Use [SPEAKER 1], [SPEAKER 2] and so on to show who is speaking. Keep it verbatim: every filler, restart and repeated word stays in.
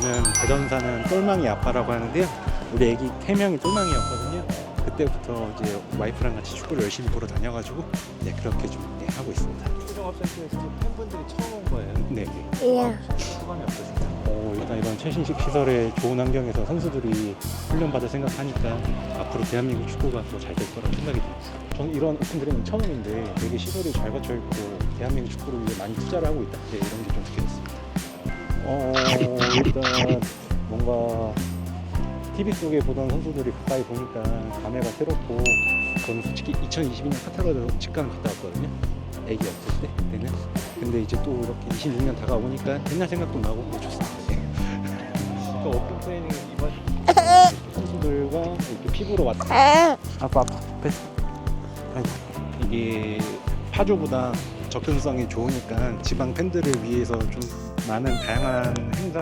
[SPEAKER 1] 저는 대전사는 똘망이 아빠라고 하는데요. 우리 애기 세 명이 똘망이었거든요. 그때부터 이제 와이프랑 같이 축구를 열심히 보러 다녀가지고 네, 그렇게 좀 네, 하고 있습니다.
[SPEAKER 2] 초등학생에서 팬분들이 처음 온 거예요.
[SPEAKER 1] 네.
[SPEAKER 3] 예.
[SPEAKER 2] 소감이 어떠신가요?
[SPEAKER 1] 어, 일단 이런 최신식 시설에 좋은 환경에서 선수들이 훈련받을 생각하니까 앞으로 대한민국 축구가 더 잘 될 거라고 생각이 듭니다. 저는 이런 오픈드림은 처음인데 되게 시설이 잘 갖춰 있고 대한민국 축구를 위해 많이 투자를 하고 있다. 네, 이런 게 좀 느껴졌습니다. 어, 일단 뭔가 티비 속에 보던 선수들이 가까이 보니까 감회가 새롭고 저는 솔직히 이천이십이 년 카타르도 직관 갔다 왔거든요. 애기 없을 때 그때는. 근데 이제 또 이렇게 이십육 년 다가오니까 옛날 생각도 나고 네, 좋습니다. 네.
[SPEAKER 2] 그 오픈 트레이닝 이번
[SPEAKER 1] 선수들과 이렇게 피부로 왔다. 아빠 아빠 뺐어. 이게 파주보다 접근성이 좋으니까 지방 팬들을 위해서 좀 많은 다양한 행사